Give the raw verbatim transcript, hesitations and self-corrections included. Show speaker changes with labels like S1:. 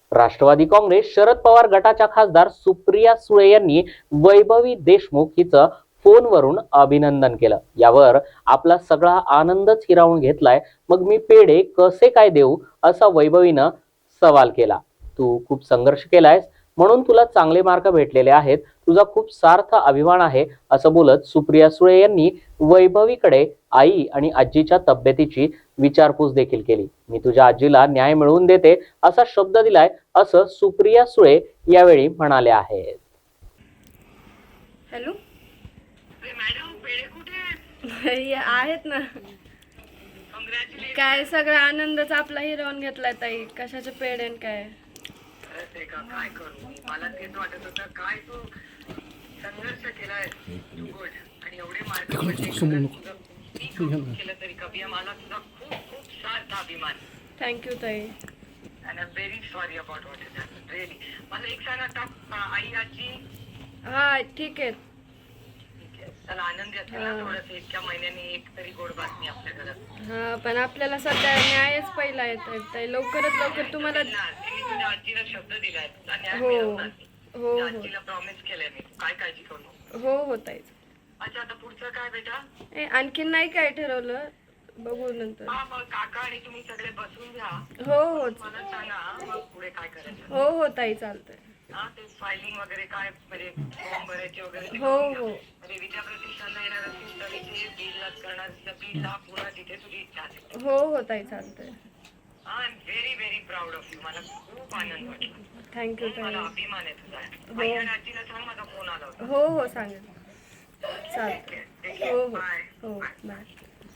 S1: राष्ट्रवादी काँग्रेस शरद पवार गटाच्या खासदार सुप्रिया सुळे यांनी वैभवी देशमुख हिचं फोनवरून अभिनंदन केलं। यावर आपला सगळा आनंदच हिरावून घेतलाय, मग मी पेढे कसे काय देऊ असा वैभवीनं सवाल केला। तू खूप संघर्ष केलायस म्हणून तुला चांगले मार्क भेटलेले आहेत, तुझा खूप सार्थ अभिमान आहे असं बोलत सुप्रिया सुळे यांनी वैभवीकडे आई आणि आजीच्या तब्येतीची विचारपूस देखील केली। मी तुझ्या आजीला न्याय मिळवून देते असा शब्द दिलाय असं सुप्रिया सुळे यावेळी म्हणाले आहेत।
S2: हॅलो
S3: मॅडम, पेढे कुठे
S2: आहेत ना।
S3: कॉंग्रॅच्युलेशन।
S2: काय सगळा आनंदच आपला हिरावून घेतलाय ताई, कशाचे पेढे न काय।
S3: ते का काय करू, मला तेच वाटत होतं काय तू संघर्ष केलाय गुड, आणि एवढे मार्क पडले केलं तरी कभी मला तुझा खूप खूप सार्थ अभिमान।
S2: थँक्यू ताई।
S3: And I am very sorry about what is happen really. मला एक सांग आता, आई आजी
S2: हा ठीक आहे।
S3: चला आनंदी असेल ना थोडंसं, इतक्या महिन्यांनी एक तरी गोड बातमी आपल्या घरात।
S2: हा पण आपल्याला सध्या न्यायच पहिला येत ताई, लवकरात लवकर तुम्हाला।
S3: मी तुझ्या आजीला शब्द दिलाय, तुला न्याय
S2: हो
S3: मिळवणार मी।
S2: हो हो
S3: आजीला प्रॉमिस केलंय मी, काय काळजी करू नको।
S2: हो हो ताई।
S3: अच्छा, आता पुढचं काय बेटा?
S2: ए आणखीन नाही काय ठरवलं, बघू नंतर।
S3: हा, मग काका आणि तुम्ही सगळे बसून घ्या,
S2: हो हो
S3: मला सांगा मग पुढे काय करायचं।
S2: हो हो ताई चालतंय।
S3: हा, ते फायलिंग वगैरे काय म्हणजे फॉर्म भरायचे वगैरे ते
S2: हो
S3: करून घ्या।
S2: हो
S3: म्हणजे विद्या प्रतिष्ठानला येणार असेल तर इथे बिल करणार बिल ला पुन्हा तिथे तुझी इच्छा असेल।
S2: हो हो ताई चालतंय।
S3: I am very very proud of you, मला खूप आनंद वाटला।
S2: थँक्यू
S3: मला
S2: ताई।
S3: अभिमान आहे तुझा। आई आणि आजीला सांग माझा फोन आला होता।
S2: हो हो सांगेल, चालतंय।
S3: ठीक आहे,
S2: हो हो
S3: बाय
S2: हो
S3: बाय।
S2: बाय।